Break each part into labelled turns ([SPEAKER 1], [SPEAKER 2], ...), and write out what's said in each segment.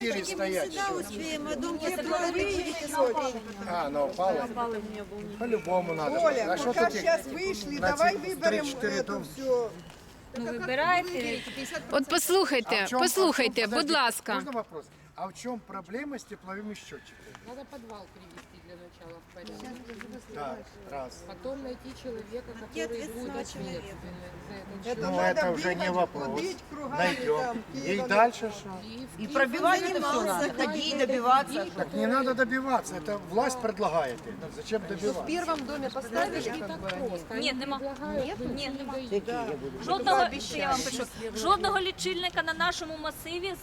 [SPEAKER 1] Мы
[SPEAKER 2] стоять.
[SPEAKER 1] всегда успеем, а дом построили.
[SPEAKER 2] Она упала? По-любому надо.
[SPEAKER 3] Оля,
[SPEAKER 2] А что
[SPEAKER 3] пока
[SPEAKER 2] тут
[SPEAKER 3] сейчас вышли, давай выберем
[SPEAKER 2] 3-4
[SPEAKER 3] это
[SPEAKER 2] дома?
[SPEAKER 3] все.
[SPEAKER 4] Ну, вибирайте.
[SPEAKER 5] От послухайте, послухайте, будь ласка.
[SPEAKER 2] Можно вопрос? А в чем проблема с тепловыми счетчиками?
[SPEAKER 6] Надо подвал привести для начала в порядок.
[SPEAKER 2] Да, раз.
[SPEAKER 6] Потом найти человека,
[SPEAKER 1] Где
[SPEAKER 6] который будет
[SPEAKER 1] ответственного человека?
[SPEAKER 6] ответственный за этот
[SPEAKER 2] Ну,
[SPEAKER 3] надо
[SPEAKER 2] это уже не
[SPEAKER 3] бегать,
[SPEAKER 2] вопрос.
[SPEAKER 3] ходить кругами
[SPEAKER 2] Найдем.
[SPEAKER 3] там,
[SPEAKER 2] И
[SPEAKER 3] Киева.
[SPEAKER 2] дальше что?
[SPEAKER 7] И пробивать это все надо, ходить, добиваться.
[SPEAKER 2] Так не надо добиваться, это власть предлагает. Зачем
[SPEAKER 7] В
[SPEAKER 2] добиваться?
[SPEAKER 7] первом доме поставили, как бы, они...
[SPEAKER 4] Ні, нема. Ні, нема.
[SPEAKER 7] Да.
[SPEAKER 4] Жодного, я вам пишу, жодного лічильника на нашому масиві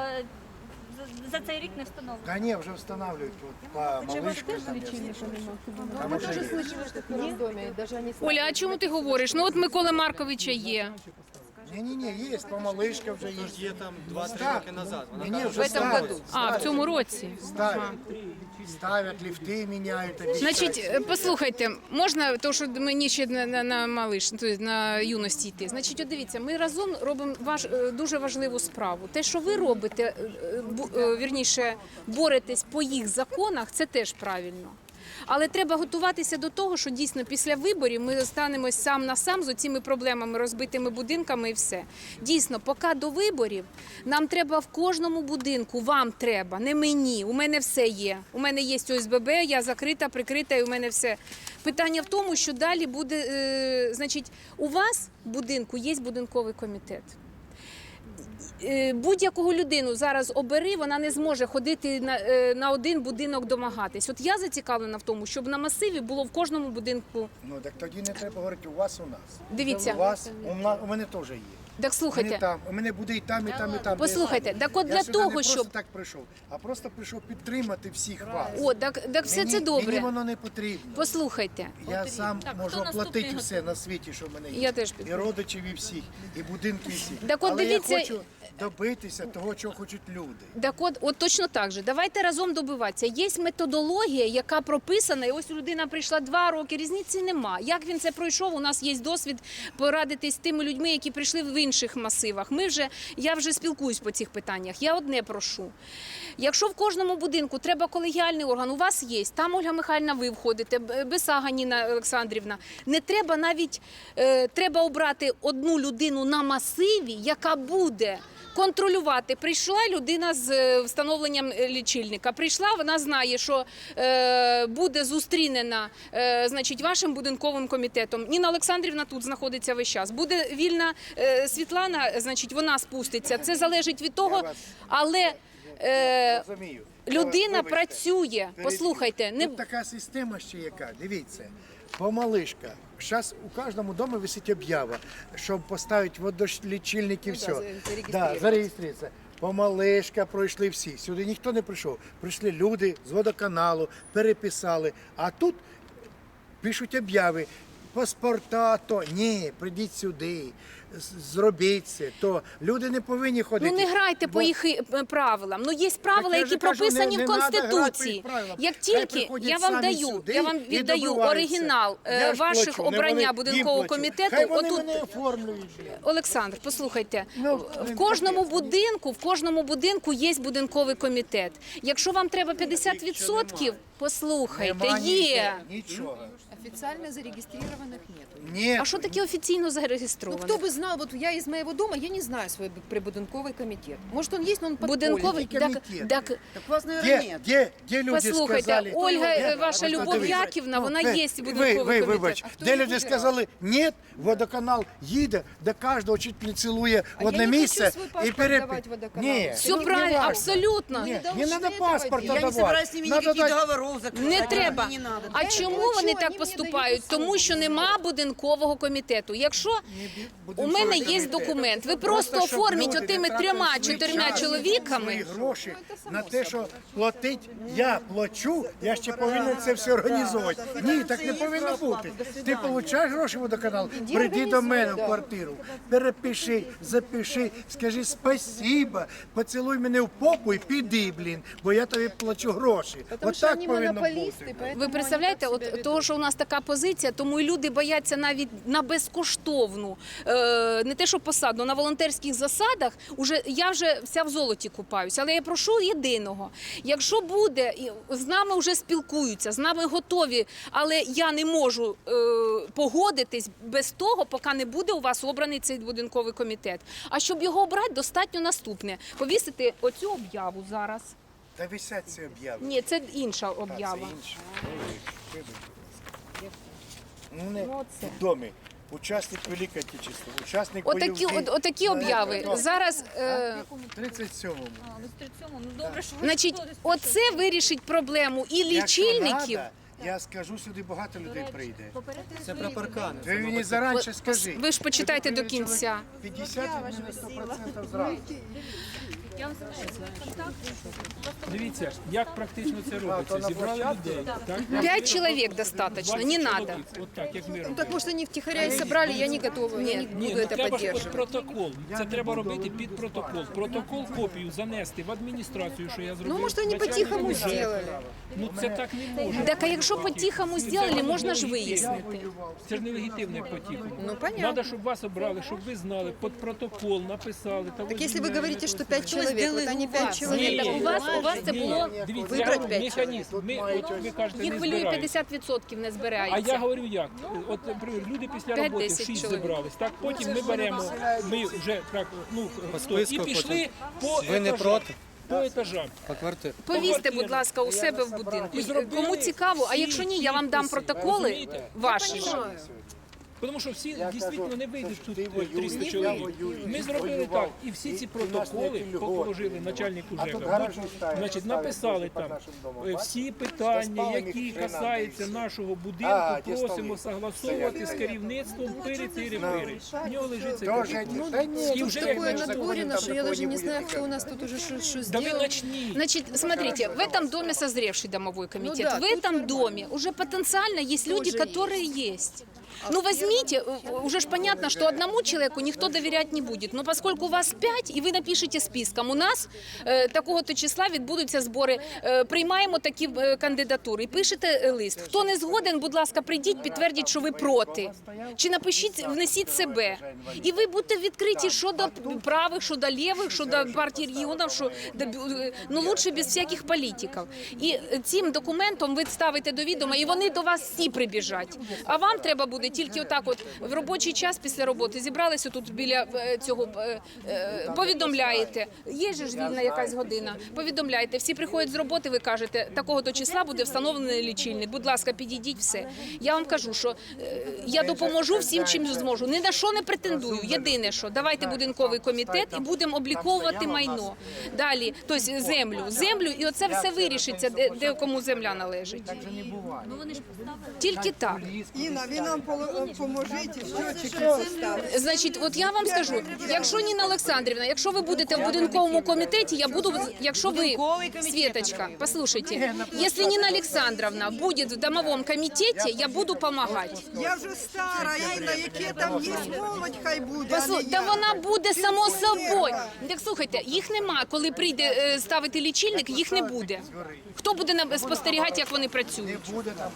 [SPEAKER 4] за цей рік не встановлено.
[SPEAKER 2] Да не, уже устанавливают вот, по малышкам.
[SPEAKER 7] Мы тоже слышали, что в первом доме, даже они...
[SPEAKER 5] Оля, а чому ти говориш? Ну от Миколи Марковича є.
[SPEAKER 2] Не-не-не, есть, по малышкам уже есть.
[SPEAKER 8] Є там 2-3 роки назад. Вона
[SPEAKER 2] Не-не,
[SPEAKER 8] там
[SPEAKER 2] уже ставят.
[SPEAKER 5] А, в цьому році.
[SPEAKER 2] Ставят, лифты меняют. обещают.
[SPEAKER 5] Значить, послухайте, можна, тому що мені ще на малиш, на юності йти. Значить, от дивіться, ми разом робимо дуже важливу справу. Те, що ви робите, вірніше, боретесь по їх законах, це теж правильно. Але треба готуватися до того, що дійсно після виборів ми станемось сам на сам з оціми проблемами, розбитими будинками і все. Дійсно, поки до виборів нам треба в кожному будинку, вам треба, не мені, у мене все є. У мене є ОСББ, я закрита, прикрита і у мене все. Питання в тому, що далі буде, значить, у вас в будинку є будинковий комітет. Будь-якого людину зараз обери, вона не зможе ходити на один будинок домагатись. От я зацікавлена в тому, щоб на масиві було в кожному будинку.
[SPEAKER 2] Ну так тоді не треба говорити у вас, у нас.
[SPEAKER 5] Дивіться.
[SPEAKER 2] У вас, у мене теж є.
[SPEAKER 5] Так слухайте.
[SPEAKER 2] Там, у мене буде і там, і там, і там.
[SPEAKER 5] Послухайте, так от
[SPEAKER 2] Я
[SPEAKER 5] для
[SPEAKER 2] сюди
[SPEAKER 5] того,
[SPEAKER 2] не просто
[SPEAKER 5] щоб...
[SPEAKER 2] так прийшов, а просто прийшов підтримати всіх вас.
[SPEAKER 5] О, так все це добре.
[SPEAKER 2] Мені воно не потрібно.
[SPEAKER 5] Послухайте.
[SPEAKER 2] Я сам
[SPEAKER 4] Так,
[SPEAKER 2] можу
[SPEAKER 4] хто
[SPEAKER 2] оплатити
[SPEAKER 4] наступний
[SPEAKER 2] все на світі, що в мене є.
[SPEAKER 5] Я теж
[SPEAKER 2] І
[SPEAKER 5] підтримую.
[SPEAKER 2] родичів, і всіх, і будинки, і всіх.
[SPEAKER 5] Так от
[SPEAKER 2] Але
[SPEAKER 5] дивіться-
[SPEAKER 2] я хочу добитися того, чого хочуть люди.
[SPEAKER 5] Так от точно так же. Давайте разом добиватися. Є методологія, яка прописана, і ось людина прийшла 2 роки, різниці нема. Як він це пройшов, у нас є досвід порадитись з тими людьми, які прийшли в інших масивах. Я вже спілкуюсь по цих питаннях. Я одне прошу. Якщо в кожному будинку треба колегіальний орган, у вас є, там Ольга Михайлівна, ви входите, Бесага Ніна Олександрівна, не треба навіть, треба обрати одну людину на масиві, яка буде контролювати. Прийшла людина з встановленням лічильника. Прийшла, вона знає, що буде зустрінена, значить, вашим будинковим комітетом. Ніна Олександрівна тут знаходиться весь час. Буде вільна Світлана, значить, вона спуститься. Це залежить від того, але
[SPEAKER 2] Розумію.
[SPEAKER 5] людина
[SPEAKER 2] Вибачте.
[SPEAKER 5] працює. Послухайте, не
[SPEAKER 2] Тут така система ще яка, дивіться, помалишка. Зараз у кожному домі висить об'ява, щоб поставити водолічильник і все. Да, зареєструватися. Помалишка пройшли всі. Сюди ніхто не прийшов. Прийшли люди з водоканалу, переписали. А тут пишуть об'яви. Паспорта, то ні, прийдіть сюди, зробіть це, то люди не повинні ходити.
[SPEAKER 5] Ну не грайте по їх правилам. Ну є правила,
[SPEAKER 2] Так я
[SPEAKER 5] які
[SPEAKER 2] же кажу,
[SPEAKER 5] прописані
[SPEAKER 2] не
[SPEAKER 5] в
[SPEAKER 2] надо грати по
[SPEAKER 5] Конституції.
[SPEAKER 2] їх правилам.
[SPEAKER 5] Як
[SPEAKER 2] Хай
[SPEAKER 5] тільки
[SPEAKER 2] приходять
[SPEAKER 5] я вам
[SPEAKER 2] самі
[SPEAKER 5] даю,
[SPEAKER 2] сюди
[SPEAKER 5] я вам
[SPEAKER 2] і
[SPEAKER 5] віддаю
[SPEAKER 2] добиваються.
[SPEAKER 5] оригінал
[SPEAKER 2] Я ж
[SPEAKER 5] ваших
[SPEAKER 2] плачу, не
[SPEAKER 5] обрання
[SPEAKER 2] вони,
[SPEAKER 5] будинкового
[SPEAKER 2] їм плачу.
[SPEAKER 5] комітету.
[SPEAKER 2] Хай вони
[SPEAKER 5] Отут
[SPEAKER 2] мене оформлюють.
[SPEAKER 5] Олександр, послухайте,
[SPEAKER 2] Ну,
[SPEAKER 5] в кожному будинку є будинковий комітет. Якщо вам треба 50%, послухайте,
[SPEAKER 2] Нема
[SPEAKER 5] є.
[SPEAKER 2] нічого.
[SPEAKER 7] Официально зарегистрированных нет.
[SPEAKER 2] Ні.
[SPEAKER 5] А що таке офіційно
[SPEAKER 7] Ну,
[SPEAKER 5] зареєстровано?
[SPEAKER 7] кто бы знал, вот я из моего дома, я не знаю свой прибудинковый комитет. Может, он есть, но он подпольный.
[SPEAKER 5] Будинковий,
[SPEAKER 2] комітет.
[SPEAKER 5] так,
[SPEAKER 7] Так у вас, наверное, нет.
[SPEAKER 2] Де люди
[SPEAKER 5] послухайте,
[SPEAKER 2] сказали?
[SPEAKER 5] Ольга, ваша
[SPEAKER 2] Ось
[SPEAKER 5] Любов
[SPEAKER 2] подивіться.
[SPEAKER 5] Яківна, вона
[SPEAKER 2] Ви-
[SPEAKER 5] є будинковий
[SPEAKER 2] ви,
[SPEAKER 5] комітет.
[SPEAKER 2] вибач,
[SPEAKER 7] А хто
[SPEAKER 2] де
[SPEAKER 7] їх
[SPEAKER 2] люди
[SPEAKER 7] вибирав?
[SPEAKER 2] сказали, ні, водоканал їде, де кожного чуть не цілує в
[SPEAKER 7] я
[SPEAKER 2] одне
[SPEAKER 7] не хочу
[SPEAKER 2] місце
[SPEAKER 7] свій паспорт давати водоканалу.
[SPEAKER 2] Ні,
[SPEAKER 5] Все
[SPEAKER 2] не
[SPEAKER 5] правильно,
[SPEAKER 2] важно.
[SPEAKER 5] абсолютно.
[SPEAKER 2] Ні, не
[SPEAKER 7] должны
[SPEAKER 2] треба
[SPEAKER 7] этого
[SPEAKER 2] паспорта
[SPEAKER 7] делать.
[SPEAKER 1] Я не собираюсь
[SPEAKER 2] давати.
[SPEAKER 1] с ними
[SPEAKER 2] Надо
[SPEAKER 1] никаких
[SPEAKER 2] дать-
[SPEAKER 1] договоров заключать.
[SPEAKER 5] Не треба.
[SPEAKER 1] Не надо.
[SPEAKER 5] А
[SPEAKER 7] Я
[SPEAKER 5] чому
[SPEAKER 7] плачу,
[SPEAKER 5] вони
[SPEAKER 7] вони
[SPEAKER 5] так
[SPEAKER 7] мені
[SPEAKER 5] поступають?
[SPEAKER 7] дають
[SPEAKER 5] Тому що нема будинкового комітету. Якщо у мене є документ, ви просто
[SPEAKER 2] щоб
[SPEAKER 5] оформіть
[SPEAKER 2] люди не
[SPEAKER 5] отими
[SPEAKER 2] тратили
[SPEAKER 5] 3-4
[SPEAKER 2] свій
[SPEAKER 5] чоловіками.
[SPEAKER 2] свої гроші на те, що платить, я плачу, я ще повинен це все організовувати. Ні, так не повинно бути. Ти отримуєш гроші водоканал, прийди до мене в квартиру, перепиши, запиши, скажи спасіба, поцілуй мене в попу і піди, блін, бо я тобі плачу гроші.
[SPEAKER 7] Потому
[SPEAKER 2] От
[SPEAKER 7] что
[SPEAKER 2] так
[SPEAKER 7] они
[SPEAKER 2] повинно
[SPEAKER 7] монополисты,
[SPEAKER 2] бути.
[SPEAKER 7] поэтому
[SPEAKER 5] Ви представляєте,
[SPEAKER 7] они так себя
[SPEAKER 5] от того, що у нас така позиція, тому і люди бояться навіть на безкоштовну не те, що посаду, на волонтерських засадах, я вже вся в золоті купаюся. Але я прошу єдиного, якщо буде, з нами вже спілкуються, з нами готові, але я не можу погодитись без того, поки не буде у вас обраний цей будинковий комітет. А щоб його обрати, достатньо наступне. Повісити оцю об'яву зараз.
[SPEAKER 2] Та висять ці об'яви.
[SPEAKER 5] Ні, це інша
[SPEAKER 2] Це
[SPEAKER 5] об'ява.
[SPEAKER 2] інше. Ну, не в домі. Учасник Великої Отечественної, учасник
[SPEAKER 5] Отакі об'яви. Зараз,
[SPEAKER 2] 37-му.
[SPEAKER 4] Ну, з 37-му, ну добре, що ви
[SPEAKER 5] значить,
[SPEAKER 4] сходите.
[SPEAKER 5] оце вирішить проблему і лічильників.
[SPEAKER 2] Я скажу, сюди багато людей прийде.
[SPEAKER 8] Це про паркани.
[SPEAKER 2] Ви мені заранше скажіть.
[SPEAKER 5] Ви ж почитайте до кінця.
[SPEAKER 2] 50 від мене 100% зразу.
[SPEAKER 4] Я вам залишу контакт.
[SPEAKER 9] Дивіться, як практично це робиться. Зібрали людей. Так?
[SPEAKER 5] 5 чоловік достатньо, не треба.
[SPEAKER 9] От так, як ми робимо.
[SPEAKER 7] Так может они втихаря и собрали, я не готова, я не
[SPEAKER 9] Ні,
[SPEAKER 7] буду
[SPEAKER 9] ну
[SPEAKER 7] это
[SPEAKER 9] треба ж під
[SPEAKER 7] поддерживать.
[SPEAKER 9] протокол. Це треба робити під протокол. Протокол копію занести в адміністрацію, що я зробив.
[SPEAKER 7] Ну, может, они
[SPEAKER 9] начальнику
[SPEAKER 7] по-тихому
[SPEAKER 9] бюджету.
[SPEAKER 7] сделали.
[SPEAKER 9] Ну це так не може.
[SPEAKER 5] Так, а якщо по-тихому зробили, можна ж вияснити.
[SPEAKER 9] Це ж не легітимне по-тихому.
[SPEAKER 7] Ну, понятно.
[SPEAKER 9] Треба, щоб вас обрали, щоб ви знали, під протокол написали.
[SPEAKER 7] Так если вы говорите, что 5 человек, вот они 5 человек.
[SPEAKER 5] Ні, так у вас це було,
[SPEAKER 9] Дивіться,
[SPEAKER 7] Вибрать
[SPEAKER 9] я
[SPEAKER 7] п'ять
[SPEAKER 9] механізм. От ви кажете,
[SPEAKER 5] їх
[SPEAKER 9] не
[SPEAKER 5] хвилює
[SPEAKER 9] збирають.
[SPEAKER 5] 50% не
[SPEAKER 9] А
[SPEAKER 5] збирається.
[SPEAKER 9] я говорю як? От, наприклад, люди після
[SPEAKER 5] 5-10
[SPEAKER 9] роботи 6
[SPEAKER 5] чоловік.
[SPEAKER 9] зібрались. Так, потім ми беремо, ми вже так, ну, і
[SPEAKER 8] списку
[SPEAKER 9] пішли по
[SPEAKER 8] Ви не
[SPEAKER 9] етажам.
[SPEAKER 8] проти?
[SPEAKER 9] По етажам.
[SPEAKER 8] По квартирі.
[SPEAKER 5] Повісьте, будь ласка, у себе в будинку. Кому цікаво, а якщо ні, я вам дам протоколи
[SPEAKER 9] Розумієте?
[SPEAKER 5] ваші.
[SPEAKER 9] Тому що всі дійсно не вийдуть тут 300 чоловік. Ми зробили так, і всі ці протоколи положили начальнику ЖЕКа. Значить, написали там всі питання, які касаються нашого будинку, просимо согласовувати з керівництвом пири-тири-пири. В нього лежить цей протокол. І вже як
[SPEAKER 7] Такое
[SPEAKER 9] начнуть-
[SPEAKER 7] надворено, что я даже не знаю, кто у нас тут уже что
[SPEAKER 9] Да ви
[SPEAKER 7] сделал.
[SPEAKER 9] начніть.
[SPEAKER 5] Значит, смотрите, в этом доме созревший домовой комитет.
[SPEAKER 7] Ну да,
[SPEAKER 5] в
[SPEAKER 7] тут
[SPEAKER 5] этом доме уже потенциально есть люди,
[SPEAKER 7] Тоже
[SPEAKER 5] которые есть. Ну, возьмите, уже ж понятно, что одному человеку никто доверять не будет. Но поскольку у вас 5, и вы напишите списком, у нас такого-то числа відбудуться збори, приймаємо такі кандидатури. І пишете лист. Хто не згоден, будь ласка, прийдіть, підтвердіть, що ви проти. Чи напишіть, внесіть себе. І ви будете відкриті щодо правих, щодо лівих, щодо партії регіонів, що, ну, лучше без всяких політиків. І цим документом ви ставите до відома, і вони до вас всі прибіжать. А вам треба буде тільки отак от в робочий час після роботи зібралися тут біля цього, повідомляєте, є же ж вільна якась година, повідомляєте, всі приходять з роботи, ви кажете, такого-то числа буде встановлений лічильник, будь ласка, підійдіть, все. Я вам кажу, що я допоможу всім, чим зможу, ні на що не претендую, єдине що, давайте будинковий комітет і будемо обліковувати майно. Далі, тобто землю, і оце все вирішиться, де кому земля належить.
[SPEAKER 4] Ну вони ж поставили.
[SPEAKER 5] Тільки так.
[SPEAKER 3] Інна, ви нам поможете, щотчики поставити.
[SPEAKER 5] Значить, от я вам скажу, якщо Ніна Олександрівна, якщо ви будете в будинковому комітеті, я буду, якщо ви, Светочка, послушайте, если Нина Александровна будет в домовом комитете, я буду помогать.
[SPEAKER 3] Я вже стара, Інна, яке там є молодь, хай буде. а не
[SPEAKER 5] Та
[SPEAKER 3] я.
[SPEAKER 5] вона буде само собою.
[SPEAKER 3] Пенсіонерка.
[SPEAKER 5] Так слухайте, їх нема. Коли прийде ставити лічильник, їх не буде. Хто буде спостерігати, як вони працюють?
[SPEAKER 2] Буде там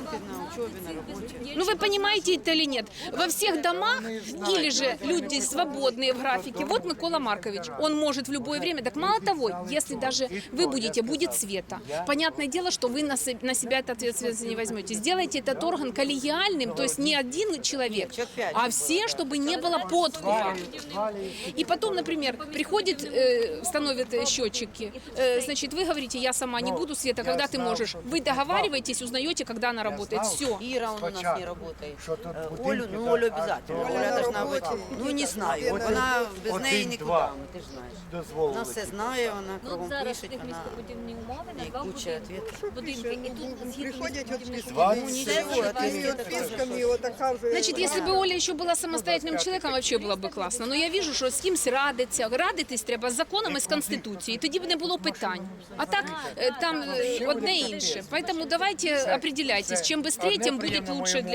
[SPEAKER 5] Ну, вы понимаете это или нет? Во всех домах или же люди свободные в графике. Вот Микола Маркович, он может в любое время. Так мало того, если даже вы будете, будет Света. Понятное дело, что вы на себя эту ответственность не возьмете. Сделайте этот орган коллегиальным, то есть не один человек, а все, чтобы не было подкупа. И потом, например, приходит, становят счетчики. Значит, вы говорите, я сама не буду, Света, когда ты можешь. Вы договариваетесь, узнаете, когда она работает. Все.
[SPEAKER 10] Ира у нас не работает.
[SPEAKER 2] Що тут
[SPEAKER 10] Олю, ну Олю обязательно. Оля должна быть. Ну не знаю. Вона без неї нікуди, ну, ти ж знаєш. Вона
[SPEAKER 2] дозволили.
[SPEAKER 10] все знає, вона
[SPEAKER 4] Ну, от
[SPEAKER 10] кругом
[SPEAKER 4] зараз
[SPEAKER 10] пише,
[SPEAKER 4] в них
[SPEAKER 10] вона
[SPEAKER 4] містобудівні умови на
[SPEAKER 10] і
[SPEAKER 4] два
[SPEAKER 10] куча відповідей.
[SPEAKER 4] будинки. І тут згідно
[SPEAKER 3] Приходять от
[SPEAKER 4] містобудівних
[SPEAKER 3] списками,
[SPEAKER 4] умов.
[SPEAKER 10] нічого,
[SPEAKER 3] такими от списками, отака вже.
[SPEAKER 5] Значит, если бы Оля еще была самостоятельным человеком, вообще было бы классно. Но я вижу, що з кимсь радиться. Радитись треба з законом і з Конституцією. Тоді б не було питань. А так, там одне інше. Поэтому давайте определяйтесь. Чим швидше, тим буде лучше для всіх.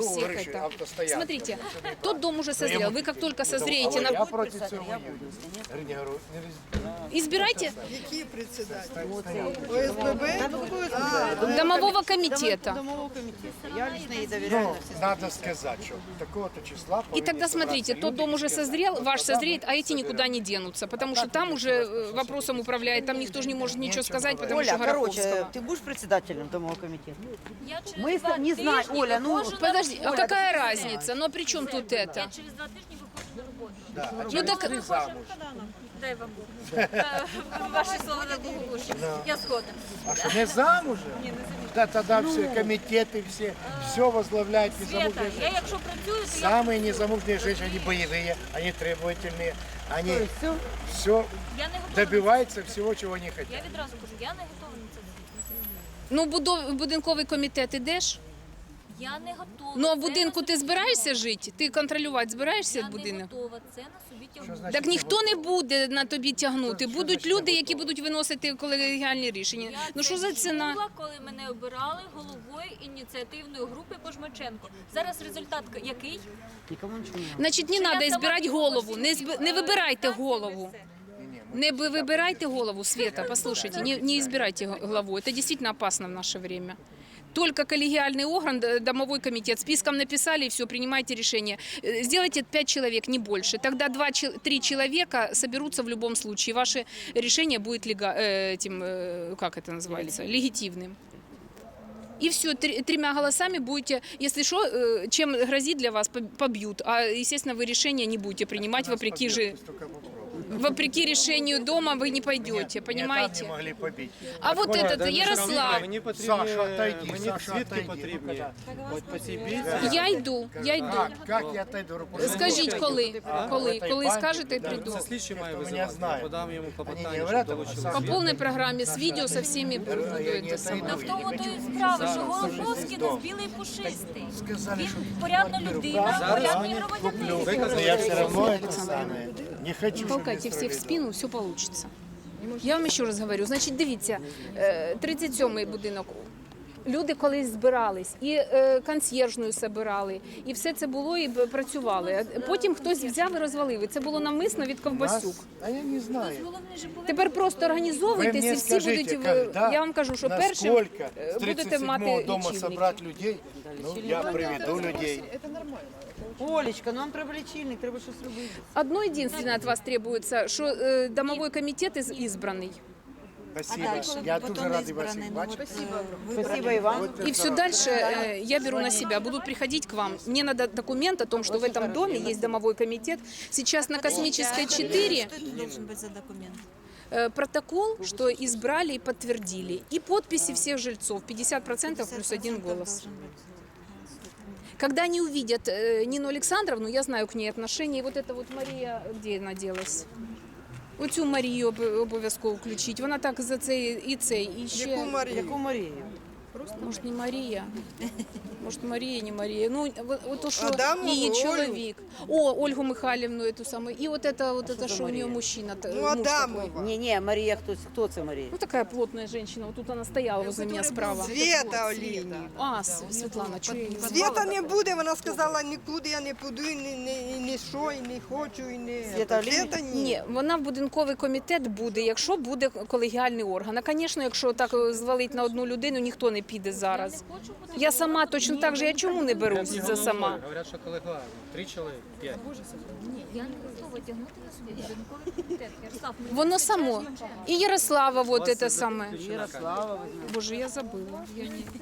[SPEAKER 5] всех
[SPEAKER 2] говоришь,
[SPEAKER 5] это.
[SPEAKER 2] автостоянка.
[SPEAKER 5] Смотрите, тот дом уже созрел. Вы как только созреете,
[SPEAKER 2] Я проти цього воюю. Я говорю,
[SPEAKER 5] избирайте
[SPEAKER 3] Які председателі? ОСББ?
[SPEAKER 5] домового комитета.
[SPEAKER 10] Домового комитета. Я лично ей доверяю
[SPEAKER 2] ну,
[SPEAKER 10] на все.
[SPEAKER 2] надо сказать, что такого-то числа
[SPEAKER 5] И тогда смотрите, тот дом уже созрел, ваш созреет, а эти никуда не денутся, потому что там уже вопросом управляет, там никто же не может ничего сказать, потому что
[SPEAKER 10] Оля, короче,
[SPEAKER 5] Гороховского.
[SPEAKER 10] ты будешь председателем домового комитета?
[SPEAKER 4] Я через
[SPEAKER 10] Мы
[SPEAKER 4] 2
[SPEAKER 10] не знаем,
[SPEAKER 4] тижні
[SPEAKER 10] Оля, ну,
[SPEAKER 4] виходжу на
[SPEAKER 5] Подожди, а
[SPEAKER 4] роботу.
[SPEAKER 5] какая разница? Но при чем тут это?
[SPEAKER 4] Я через 2 тижні виходжу на роботу.
[SPEAKER 5] Ну так
[SPEAKER 4] Дай вам Бог. Ваші слова на благополуччя. Я згодна.
[SPEAKER 2] А что, не замужем? Да, тогда все комитеты, все возглавляют
[SPEAKER 4] Света,
[SPEAKER 2] незамужние
[SPEAKER 4] я
[SPEAKER 2] женщины.
[SPEAKER 4] якщо працюю, то я
[SPEAKER 2] Самые незамужние женщины, они боевые, они требовательные, они все
[SPEAKER 4] не готова.
[SPEAKER 2] добиваются всего, чего не
[SPEAKER 4] Я
[SPEAKER 2] хотят.
[SPEAKER 4] відразу кажу, я не готова на це.
[SPEAKER 5] ну будинковий комітет ідеш?
[SPEAKER 4] Я не готова.
[SPEAKER 5] Ну а в
[SPEAKER 4] Це
[SPEAKER 5] будинку
[SPEAKER 4] на
[SPEAKER 5] ти
[SPEAKER 4] собі
[SPEAKER 5] збираєшся жити? Ти контролювати збираєшся
[SPEAKER 4] Я не
[SPEAKER 5] будинок?
[SPEAKER 4] готова це на собі тягнути.
[SPEAKER 5] Так ніхто не буде на тобі тягнути. Будуть люди, які будуть виносити колегіальні рішення.
[SPEAKER 4] Я
[SPEAKER 5] Ну
[SPEAKER 4] це
[SPEAKER 5] що за ціна?
[SPEAKER 4] чула, коли мене обирали головою ініціативної групи Пожмаченко. Зараз результат який?
[SPEAKER 10] Никому ничего не надо.
[SPEAKER 5] Значить, не
[SPEAKER 4] Що я
[SPEAKER 5] треба
[SPEAKER 4] сама
[SPEAKER 5] збирати
[SPEAKER 4] піду
[SPEAKER 5] голову.
[SPEAKER 4] по
[SPEAKER 5] Не,
[SPEAKER 4] всім
[SPEAKER 5] не вибирайте
[SPEAKER 4] інстанціям
[SPEAKER 5] голову.
[SPEAKER 4] і все.
[SPEAKER 5] Не выбирайте голову, Света, послушайте, не избирайте главу. Это действительно опасно в наше время. Только коллегиальный орган, домовой комитет, списком написали, и все, принимайте решение. Сделайте 5 человек, не больше. Тогда 2-3 человека соберутся в любом случае. Ваше решение будет как это называется, легитимным. И все, 3 голосами будете, если что, чем грозит для вас, побьют. А, естественно, вы решение не будете принимать, вопреки решению дома вы не пойдете, понимаете?
[SPEAKER 2] Не могли побить.
[SPEAKER 5] А вот этот, Ярослав,
[SPEAKER 8] Мені потрібні,
[SPEAKER 2] Саша, отойди,
[SPEAKER 8] мені
[SPEAKER 2] Саша,
[SPEAKER 8] свідки
[SPEAKER 2] отойди.
[SPEAKER 8] потрібні. От по цій бійці.
[SPEAKER 5] я йду.
[SPEAKER 2] Как я отойду?
[SPEAKER 5] Скажіть, коли? Коли скажете, прийду.
[SPEAKER 8] Це слідчий має
[SPEAKER 2] Хто мене
[SPEAKER 8] визивати.
[SPEAKER 2] знає.
[SPEAKER 8] Подам йому
[SPEAKER 2] Они не
[SPEAKER 8] клопотання,
[SPEAKER 2] говорят,
[SPEAKER 8] щоб
[SPEAKER 2] а
[SPEAKER 8] долучили.
[SPEAKER 5] По полной программе, с видео, со всеми
[SPEAKER 2] Я не
[SPEAKER 5] самое.
[SPEAKER 4] Та в тому то і справа, що Голоковський нас білий пушистий.
[SPEAKER 2] Сказали, что
[SPEAKER 4] Він порядна людина, порядний громадянин.
[SPEAKER 2] я все равно это самое. Не хочу, чтобы
[SPEAKER 5] Толкайте
[SPEAKER 2] мне
[SPEAKER 5] всех в
[SPEAKER 2] строили
[SPEAKER 5] спину, все получится. Я вам ще раз говорю, значить, дивіться, 37-й будинок. Люди колись збирались, і консьєржною збирали, і все це було, і працювали. Потім хтось взяв і розвалив. І це було навмисно від ковбасюк.
[SPEAKER 2] А я не знаю.
[SPEAKER 5] Тепер просто
[SPEAKER 2] Вы
[SPEAKER 5] організовуйтесь,
[SPEAKER 2] мне
[SPEAKER 5] і всі
[SPEAKER 2] скажите,
[SPEAKER 5] будуть,
[SPEAKER 2] когда,
[SPEAKER 5] я вам кажу, що першим
[SPEAKER 2] насколько с
[SPEAKER 5] будете
[SPEAKER 2] 37-го
[SPEAKER 5] мати
[SPEAKER 2] дома
[SPEAKER 5] лічильники.
[SPEAKER 2] собрать людей, ну, я приведу людей.
[SPEAKER 10] Олечка, ну нам треба лічильник, треба щось робити.
[SPEAKER 5] Одно единственное от вас требуется, что домовой комитет избранный.
[SPEAKER 2] Спасибо. Я дуже радий вас всіх бачити.
[SPEAKER 10] Спасибо і вам.
[SPEAKER 5] И все дальше я беру на себя. Будут приходить к вам. Мне надо документ о том, что в этом доме есть домовой комитет. Сейчас на Космической 4
[SPEAKER 1] Что это должен быть за документ?
[SPEAKER 5] протокол, что избрали и подтвердили. И подписи всех жильцов. 50% плюс 1 голос. Когда они увидят Нину Александровну, я знаю к ней отношения, и вот эта вот Мария, где она делась? Оцю Марію обов'язково включити. Вона так за цей і цей, і ще...
[SPEAKER 3] Яку Марію?
[SPEAKER 10] Яку Марію?
[SPEAKER 5] Може, не Марія? Може, Марія, не Марія. Ну, от що
[SPEAKER 3] Адамову,
[SPEAKER 5] її
[SPEAKER 3] Олю.
[SPEAKER 5] чоловік. О, Ольгу Михайлівну, эту саму. І от это що у нее мужчина.
[SPEAKER 3] Ну,
[SPEAKER 5] муж такой.
[SPEAKER 3] Адамова.
[SPEAKER 10] Ні, Марія, хто це Марія?
[SPEAKER 5] Ну, такая плотная женщина. Вот тут она стояла возле меня справа.
[SPEAKER 3] Света Олійні.
[SPEAKER 5] А, Світлана, чого я її не
[SPEAKER 3] Света не буде, вона сказала, нікуди я не піду, і не що, і не хочу, і не...
[SPEAKER 10] Света Олійні?
[SPEAKER 3] Света ні.
[SPEAKER 5] Ні, вона в будинковий комітет буде, якщо буде колегіальний орган. А, звісно, якщо так звалить на одну людину, ніхто не піде зараз. Я сама точно так же, я чому не берусь за сама?
[SPEAKER 8] Говорять, що колегіально. 3 чоловік, 5.
[SPEAKER 4] Ні, я не готова тягнути на собі будинковий комітет. Ярослав, ми
[SPEAKER 5] Воно само. І Ярослава, вот это саме.
[SPEAKER 10] Ярослава.
[SPEAKER 5] Боже, я забыла. Я не...